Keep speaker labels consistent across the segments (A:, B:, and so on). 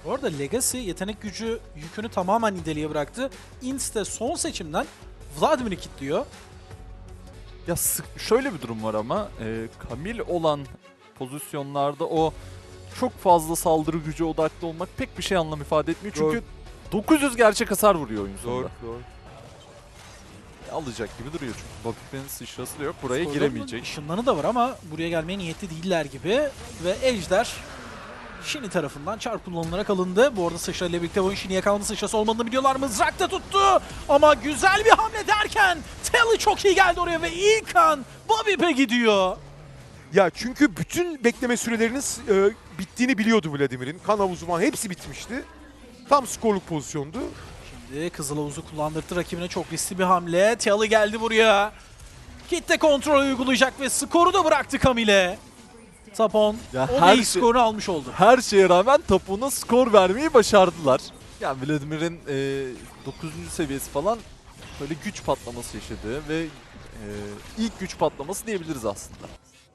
A: Bu arada Legacy yetenek gücü yükünü tamamen Nidalee'ye bıraktı. Inste son seçimden Vladimir'i kilitliyor.
B: Ya şöyle bir durum var ama Camille olan pozisyonlarda o çok fazla saldırı gücü odaklı olmak pek bir şey anlam ifade etmiyor. Çünkü 900 gerçek hasar vuruyor oyun sonunda.
C: Doğru.
B: Alacak gibi duruyor çünkü Bobby'nin sıçrası da yok. Buraya
A: Skor'un
B: giremeyecek.
A: Işınlanı da var ama buraya gelmeye niyetli değiller gibi. Ve Ejder Shinny tarafından çarp kullanılarak alındı. Bu arada sıçra ile birlikte oyun Shinny'ye kaldı. Sıçrası olmadığını biliyorlar. Mızrak da tuttu. Ama güzel bir hamle derken Telly çok iyi geldi oraya ve ilk an Bobby'e gidiyor.
C: Ya çünkü bütün bekleme süreleriniz bittiğini biliyordu Vladimir'in. Kan havuzu falan hepsi bitmişti. Tam skorluk pozisyondu.
A: Şimdi Kızıl Havuz'u kullandırdı rakibine, çok riskli bir hamle. Telly geldi buraya. Kitle kontrol uygulayacak ve skoru da bıraktı Camille. Tapon
B: Ya
A: o da
B: her
A: ilk
B: şey-
A: skorunu almış oldu.
B: Her şeye rağmen Tapu'na skor vermeyi başardılar. Yani Vladimir'in 9. seviyesi falan böyle güç patlaması yaşadığı ve ilk güç patlaması diyebiliriz aslında.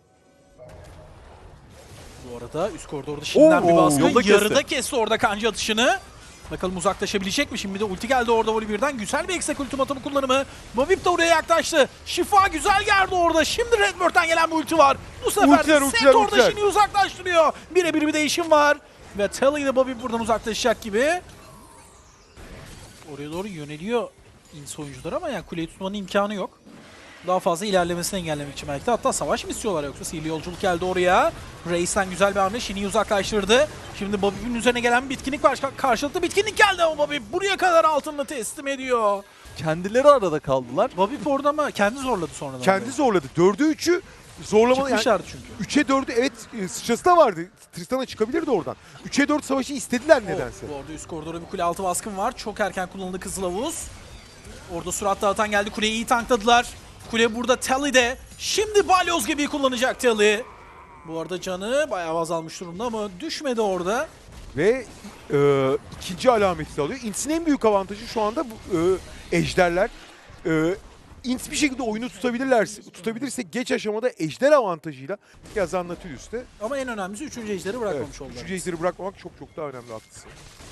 A: Bu arada üst koridorda şimdiden bir
B: Oo,
A: baskı.
B: yolda
A: Yarıda kesti orada kanca atışını. Bakalım uzaklaşabilecek mi? Şimdi de ulti geldi orada Volibear'dan. Güzel bir eksek ultimatomu kullanımı. Mavip de oraya yaklaştı. Şifa güzel geldi orada. Şimdi Redbird'den gelen bir ulti var. Bu sefer de Set orada Shinny'yi uzaklaştırıyor. Birebir bir değişim var. Ve Telly ile Bobby buradan uzaklaşacak gibi. Oraya doğru yöneliyor ins oyuncular ama yani kuleyi tutmanın imkanı yok. Daha fazla ilerlemesini engellemek için belki de. Hatta savaş mı istiyorlar yoksa? Sihirli yolculuk geldi oraya. Reis'ten güzel bir hamle. Shinny'yi uzaklaştırdı. Şimdi Bobby'nin üzerine gelen bir bitkinlik var. Karşılıklı bitkinlik geldi ama Bobby buraya kadar altını teslim ediyor.
B: Kendileri arada kaldılar.
A: Bobby orada ama kendi zorladı sonradan.
C: Kendi zorladı. 4'e 3'ü zorlamalı. Yani
A: Çıkmışlardı çünkü.
C: 3'e 4'ü evet sıçrası da vardı. Tristan'a çıkabilirdi oradan. 3'e 4 savaşı istediler nedense.
A: Bu arada üst koridora bir kule altı baskın var. Çok erken kullanıldı Kızıl Havuz. Orada surat dağıtan geldi. Kuleyi iyi tankladılar. Kule burada Telly'de. Şimdi balyoz gibi kullanacak Telly. Bu arada canı bayağı azalmış durumda ama düşmedi orada.
C: Ve ikinci alameti de alıyor. Ints'in en büyük avantajı şu anda bu, ejderler. Ints bir şekilde oyunu tutabilirse geç aşamada ejder avantajıyla yazan Nautilus'te.
A: Ama en önemlisi 3. ejderi bırakmamış oldular.
C: 3. ejderi bırakmamak çok çok daha önemli, haklısın.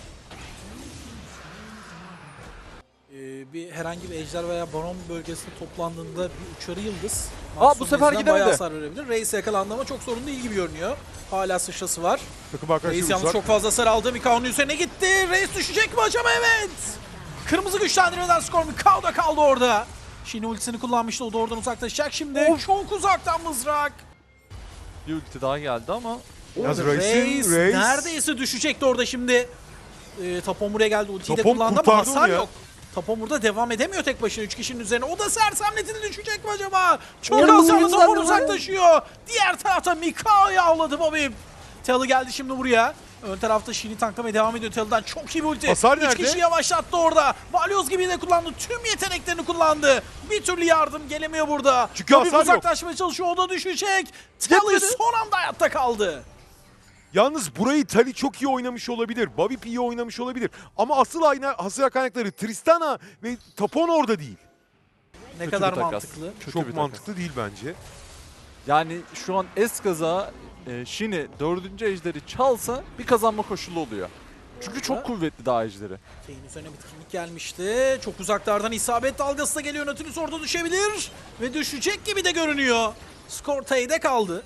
A: Bir herhangi bir ejder veya baron bölgesinde toplandığında bir uçarı yıldız
B: Bu sefer
A: bayağı
B: gidemedi.
A: hasar verebilir. Reis yakalandı ama çok sorun değil gibi görünüyor. Hala sıçrası var.
C: Takım arkadaşları
A: Reis yalnız
C: uzak.
A: çok fazla hasar aldı. Mikao'nun üzerine gitti. Reis düşecek mi acaba? Evet. Kırmızı güçlendirmeden skor Mikao da kaldı orada. Shinny ultisini kullanmıştı. O da oradan uzaklaşacak. Şimdi çok uzaktan mızrak.
B: Bir ulti daha geldi ama
C: Yalnız
A: Reis
C: Reis
A: neredeyse düşecekti orada şimdi. Tapon buraya geldi. Ultiyi de
C: Tapon
A: kullandı ama
C: kurtardı
A: hasar
C: onu ya.
A: yok. Tapon burada devam edemiyor tek başına 3 kişinin üzerine. O da sersemletini düşecek mi acaba? Çok
B: Oo,
A: hasarlı
B: güzel
A: Tapon
B: bir
A: uzaklaşıyor. Diğer tarafta Mikao'yu avladı Bobby. Telly geldi şimdi buraya. Ön tarafta Shinny tanklamaya devam ediyor Telly'den. Çok iyi bir ulti.
C: Hasar
A: 3
C: nerede?
A: kişi yavaşlattı orada. Balyoz gibi de kullandı. Tüm yeteneklerini kullandı. Bir türlü yardım gelemiyor burada.
C: Çünkü
A: Bobby
C: hasar yok.
A: uzaklaşmaya çalışıyor. O da düşecek. Telly
B: Yetmedi.
A: son anda hayatta kaldı.
C: Yalnız burayı Tali çok iyi oynamış olabilir. Bobby iyi oynamış olabilir. Ama asıl hasar kaynakları Tristana ve Tapon orada değil.
A: Ne
B: Kötü
A: kadar
B: bir takas.
A: mantıklı.
B: Kötü bir
C: Çok
B: takas.
C: mantıklı değil bence.
B: Yani şu an eskaza Shinny 4. ejderi çalsa bir kazanma koşulu oluyor. Çünkü çok kuvvetli daha ejderi.
A: Şeyin üzerine bitkinlik gelmişti. Çok uzaklardan isabet dalgası da geliyor. Nautilus orada düşebilir. Ve düşecek gibi de görünüyor. Skor T'de kaldı.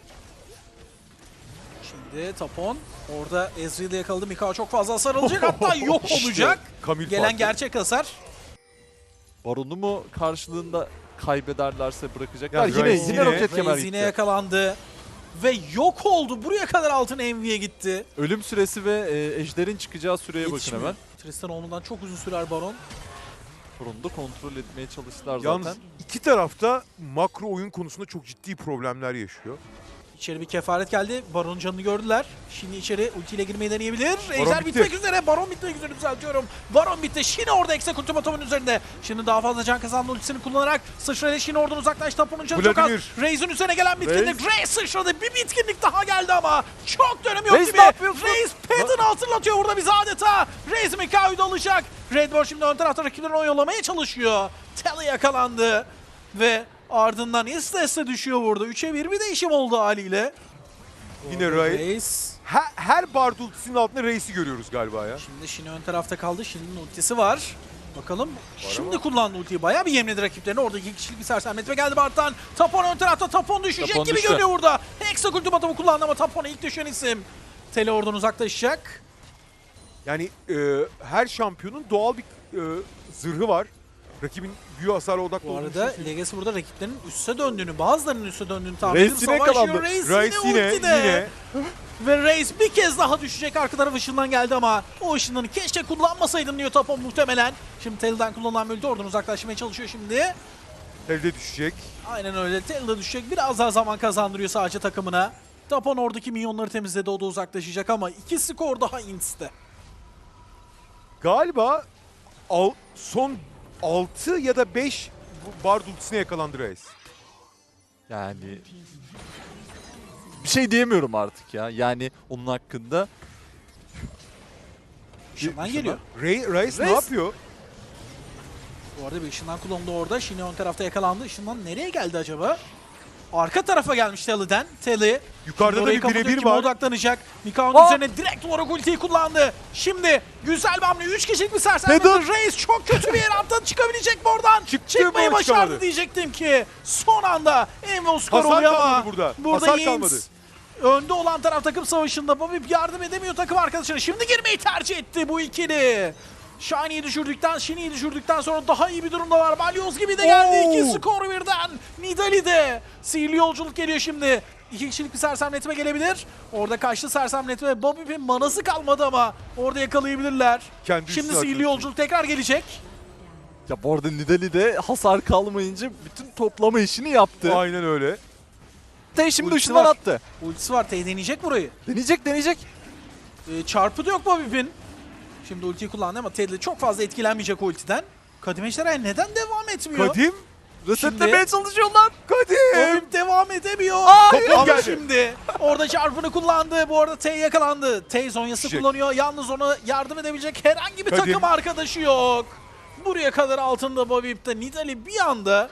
A: Şimdi Tapon orada Ezreal'ı yakaladı. Mikao çok fazla hasar alacak. Hatta yok
C: İşte,
A: olacak.
C: Camille
A: Gelen
C: farkı.
A: gerçek hasar.
B: Baron'u mu karşılığında kaybederlerse bırakacaklar.
C: Ya
B: Yine
C: Reis
B: yine
C: yine-
B: roket kemer
A: Reis yine
B: gitti.
A: yakalandı. Ve yok oldu. Buraya kadar altın Envy'ye gitti.
B: Ölüm süresi ve ejderin çıkacağı süreye bakın
A: Yetişmiyor.
B: hemen.
A: Tristan onundan çok uzun sürer Baron.
B: Baron'u da kontrol etmeye çalıştılar
C: Yalnız
B: zaten.
C: iki tarafta makro oyun konusunda çok ciddi problemler yaşıyor.
A: İçeri bir kefaret geldi. Baron'un canını gördüler. Şimdi içeri ultiyle girmeyi deneyebilir. Ejder
C: bitti.
A: bitmek üzere. Baron bitmek üzere düzeltiyorum. Baron bitti. Şimdi orada eksek ultimatomun üzerinde. Şimdi daha fazla can kazandı ultisini kullanarak. Sıçrayla şimdi oradan uzaklaş. Tapunun canı çok az.
C: Vladimir.
A: Reis'in üzerine gelen bitkinlik. Reis sıçradı. Bir bitkinlik daha geldi ama. Çok dönemi yok
B: Reis
A: gibi.
B: ne yapıyorsun?
A: Reis Pedon'u hatırlatıyor burada bize adeta. Reis Mikao'yu da alacak. Redbird şimdi ön tarafta rakiplerini oyalamaya çalışıyor. Telly yakalandı. Ve ardından iste düşüyor burada. 3'e 1 bir değişim oldu haliyle.
C: Yine
A: Orada
C: Reis
A: Reis
C: her Bard ultisinin altında Reis'i görüyoruz galiba ya.
A: Şimdi Shin'i ön tarafta kaldı. Shin'in ultisi var. Bakalım şimdi
C: ama.
A: kullandı ultiyi. Bayağı bir yemledi rakiplerini. Orada 2 kişilik bir sersemletme geldi Bard'dan. Tapon ön tarafta. Tapon düşecek
B: Tapon
A: gibi
B: düştü.
A: görünüyor burada. Hexak ultimatomu kullandı ama Tapon'a ilk düşen isim. Tele oradan uzaklaşacak.
C: Yani her şampiyonun doğal bir zırhı var. Rakibin büyü hasarı odaklı
A: Bu
C: olduğunu
A: arada
C: düşünüyorsun.
A: Legacy burada rakiplerinin üste döndüğünü, bazılarının üste döndüğünü tahmin
B: Reis
A: edip
B: yine
A: savaşıyor.
B: yakalandı.
A: Reis yine ultide. Ve Reis bir kez daha düşecek. Arka taraf ışından geldi ama o ışınlarını keşke kullanmasaydın diyor Tapon muhtemelen. Şimdi Tel'den kullanılan bir ulti oradan uzaklaşmaya çalışıyor şimdi.
C: Elde düşecek.
A: Aynen öyle. Tel'de düşecek. Biraz daha zaman kazandırıyor sadece takımına. Tapon oradaki minyonları temizledi. O da uzaklaşacak ama 2 skor daha Ints'te.
C: Galiba son 6 ya da 5 Bard ultisine yakalandı Reis.
B: Yani bir şey diyemiyorum artık ya. Yani onun hakkında.
A: Işından geliyor.
C: Reis ne
B: Reis-
C: yapıyor?
A: Bu arada bir ışından kullanıldı orada. Shin'i ön tarafta yakalandı. Işından nereye geldi acaba? Arka tarafa gelmiş Telly'den. Telly.
C: Yukarıda da
A: Orayı
C: bir
A: kapatıyor,
C: birebir
A: kime
C: var.
A: odaklanacak. Mikao'nun
B: Aa!
A: üzerine direkt olarak ultiyi kullandı. Şimdi güzel bir hamle. 3 kişilik bir sersemledi.
B: Neden?
A: Reis çok kötü bir yere attı. Çıkabilecek mi oradan?
C: Çıktı
A: Çıkmayı
C: mı?
A: başardı
C: Çıkamadı.
A: diyecektim ki. Son anda Envo skor
C: Hasar
A: oluyor
C: kalmadı
A: ama
C: burada.
A: burada
C: Hasar
A: Yins
C: kalmadı.
A: önde olan taraf takım savaşında. Bobby yardım edemiyor takım arkadaşına. Şimdi girmeyi tercih etti bu ikili. Shiny'yi düşürdükten sonra daha iyi bir durumda var. Balyoz gibi de geldi. 2 skor birden. Nidalee'de. Sihirli yolculuk geliyor şimdi. 2 kişilik bir sersemletme gelebilir. Orada kaçtı sersemletme. Bobby'nin manası kalmadı ama orada yakalayabilirler.
C: Kendi
A: Şimdi
C: üstüne
A: sihirli
C: atıyor.
A: yolculuk tekrar gelecek.
B: Ya bu arada Nidalee'de hasar kalmayınca bütün toplama işini yaptı.
C: Aynen öyle.
B: Tay şimdi
A: Ultisi
B: ışından
A: var.
B: attı.
A: Ultisi var. Tay deneyecek burayı.
B: Deneyecek.
A: Çarpı da yok Bobby'nin. Şimdi ultiyi kullandı ama Teddy çok fazla etkilenmeyecek ultiden. Kadim Ejderha neden devam etmiyor?
C: Kadim.
B: Resetlemeye çalışıyorlar.
C: Kadim.
A: Bobby devam edemiyor.
C: Toplam geldi.
A: Şimdi orada çarpını kullandı. Bu arada Tay yakalandı. Tay zonyası
C: Düşecek.
A: kullanıyor. Yalnız ona yardım edebilecek herhangi bir
C: Kadim.
A: takım arkadaşı yok. Buraya kadar altında Bobby ipte. Nidalee bir anda.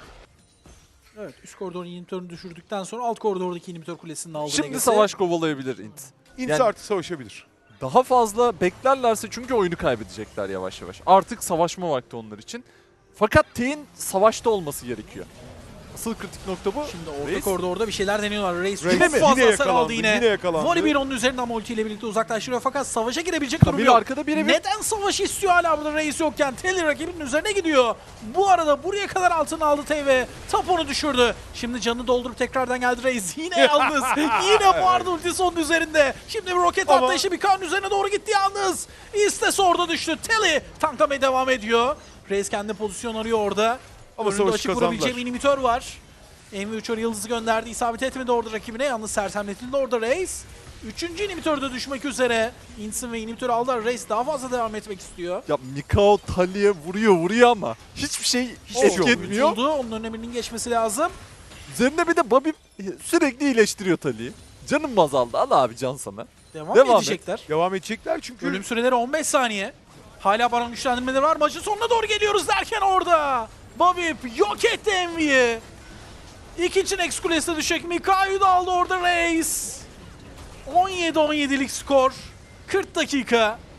A: Evet, üst koridorun inhibitörünü düşürdükten sonra alt koridordaki inhibitör kulesini aldı.
B: Şimdi
A: Legacy.
B: savaş kovalayabilir Int.
C: İnti
B: Yani-
C: artı savaşabilir.
B: Daha fazla beklerlerse çünkü oyunu kaybedecekler yavaş yavaş. Artık savaşma vakti onlar için. Fakat T'in savaşta olması gerekiyor. Asıl kritik nokta bu.
A: Şimdi orta
B: Reis.
A: koridorda bir şeyler deniyorlar. Reis
C: Reis
A: çok
C: yine
A: fazla hasar
C: yakalandı,
A: aldı yine.
C: yine yakalandı.
A: Volibear onun üzerinden ultiyle birlikte uzaklaştırıyor fakat savaşa girebilecek durum
B: Kamil
A: yok.
B: arkada birebir.
A: Neden savaş istiyor hala burada Reis yokken? Telly rakibinin üzerine gidiyor. Bu arada buraya kadar altını aldı Tay ve Tapon'u düşürdü. Şimdi canını doldurup tekrardan geldi Reis. Yine yalnız. Yine bu arada ultisi onun üzerinde. Şimdi bir roket
C: Ama-
A: atlayışı bir kan üzerine doğru gitti yalnız. İstes orada düştü. Telly tanklamaya devam ediyor. Reis kendi pozisyon arıyor orada.
C: Ama
A: Önünde
C: savaşı
A: açık
C: kazandılar.
A: vurabileceği bir inhibitör var. MV3 yıldızı gönderdi. İsabet etmedi orada rakibine. Yalnız sersemletildi orada Reis. Üçüncü inhibitör de düşmek üzere. Insin ve inhibitörü aldılar. Reis daha fazla devam etmek istiyor.
B: Ya Mikao Tally'e vuruyor ama hiçbir şey
C: Hiçbir şey
B: etki
C: yok.
B: etmiyor.
A: Tutuldu. Onun öneminin geçmesi lazım.
B: Üzerine bir de Bobby sürekli iyileştiriyor Tally'yi. Canım azaldı. Al abi can sana.
A: Devam
B: Devam
A: edecekler.
C: Devam edecekler çünkü
A: Ölüm süreleri 15 saniye. Hala baron güçlendirmeleri var. Maçın sonuna doğru geliyoruz derken orada. Bobby yok etti Envy'yi. İkinci Nex kulesine düşecek. Mikao'yu da aldı orada Reis. 17-17'lik skor. 40 dakika.